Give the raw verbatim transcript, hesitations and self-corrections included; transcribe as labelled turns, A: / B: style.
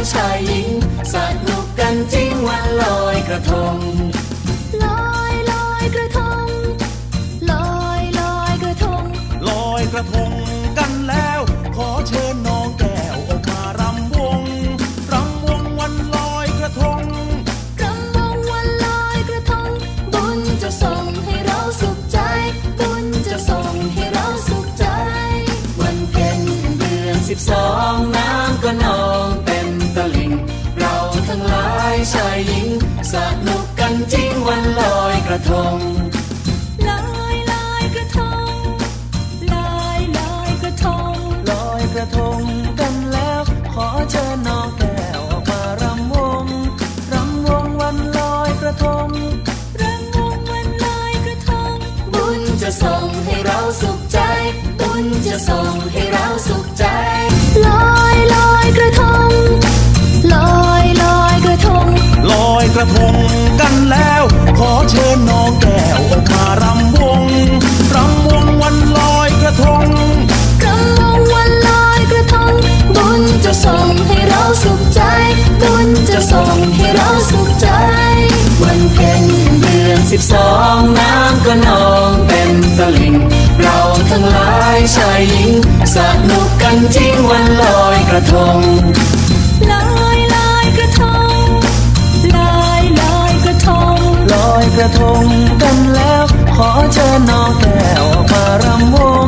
A: ชายหญิงสนุกกันจริงวันลอยกระทง
B: ลอยลอยกระทงลอยลอยกระทง
C: ลอยกระทงกันแล้วขอเชิญน้องแก้วออกมารำวงรำวงวันลอยกระทง
B: รำวงวันลอยกระทงบุญจะส่งให้เราสุขใจบุญจะส่งให้เราสุขใจ
A: วันเพ็ญเดือนสิบสองน้ำก็นองเต็มตลิ่งเราทั้งหลายชายหญิงสนุกกันจริงวันลอยกระทง
B: ลอยลอยกระทงลอยลอยกระทง
C: ลอยกระทงกันแล้วขอเชิญน้องแก้วออกมารำวงรำวงวันลอยกระทง
B: รำวงวันลอยกระทง
A: บุญจะส่งให้เราสุขใจบุญจะส่งให้เราสุขใจ
B: ลอยลอยกระทงลอยลอยกระทง
C: ลอยกระทงกันแล้วขอเชิญน้องแก้วออกมารำวงรำวงวันลอยกระทง
B: รำวงวันลอยกระทงบุญจะส่งให้เราสุขใจบุญจะส่งให้เราสุขใจ
A: วันเพ็ญเดือนสิบสองน้ำก็นองเต็มตลิ่งเราทั้งหลายชายหญิงสนุกกันจริงวันลอยกระทง
B: ลอยลอยกระทงลอยลอยกระทง
C: ลอยกระทงกันแล้วขอเชิญน้องแก้วออกมารำวง